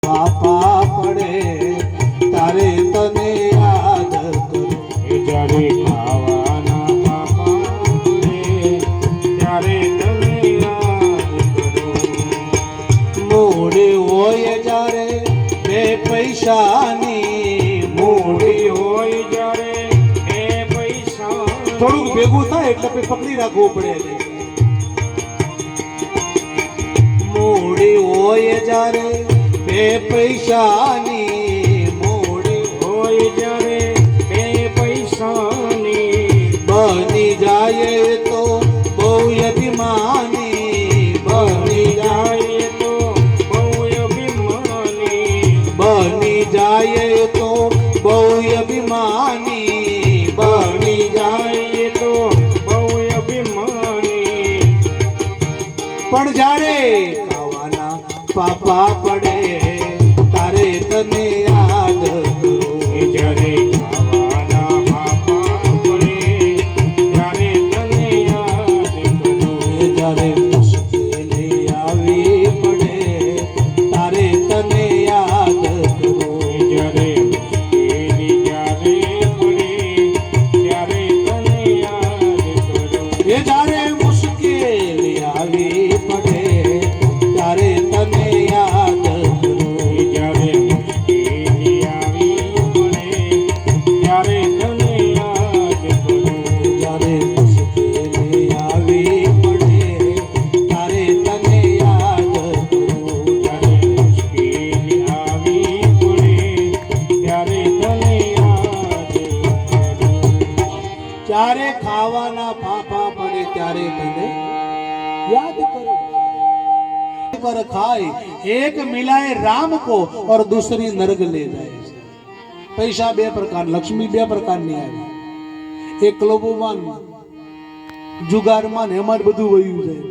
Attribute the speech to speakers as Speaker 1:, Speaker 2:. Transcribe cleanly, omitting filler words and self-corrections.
Speaker 1: પાપા પડે તારે તને યાદ કરું
Speaker 2: જ્યારે ખાવાના પાપા પડે ત્યારે તને યાદ કરું
Speaker 1: મૂડી હોય જ્યારે બે પૈસાની
Speaker 2: મૂડી હોય જ્યારે એ પૈસા
Speaker 1: થોડુંક ભેગું થાય એટલે પકડી રાખવું પડે મૂડી હોય જ્યારે બે પૈસાની મૂડી
Speaker 2: હોય જ્યારે બે પૈસાની
Speaker 1: બની જાય તો બહુ અભિમાની બની
Speaker 2: જાય તો બહુ અભિમાની
Speaker 1: બની જાય તો બહુ અભિમાની બની
Speaker 2: જાય તો બહુ અભિમાની
Speaker 1: પણ જ્યારે ખાવાના પાપા પડે તારે તને યાદ કરું
Speaker 2: જ્યારે ખાવાના પાપા પડે ત્યારે તને યાદ કરું
Speaker 1: જ્યારે મુશ્કેલી આવી પડે તારે તને યાદ કરું
Speaker 2: જ્યારે મુશ્કેલી જ્યારે પડે ત્યારે તને યાદ કરું
Speaker 1: એ જ્યારે મુશ્કેલી આવી પડે ત્યારે તને યાદ કરું
Speaker 2: જ્યારે મુશ્કેલી આવી પડે ત્યારે તને યાદ કરું
Speaker 1: જ્યારે મુશ્કેલી આવી પડે ત્યારે તને યાદ કરું
Speaker 2: જ્યારે મુશ્કેલી આવી પડે ત્યારે તને યાદ કરું
Speaker 1: જ્યારે ખાવાના ફાફા પડે ત્યારે તને याद करो पर खाए एक मिलाए राम को और दूसरी नरक ले जाए पैसा बे प्रकार लक्ष्मी बे प्रकार नहीं आई एक लोबोमान जुगार मान हेमाट બધું વયું જાય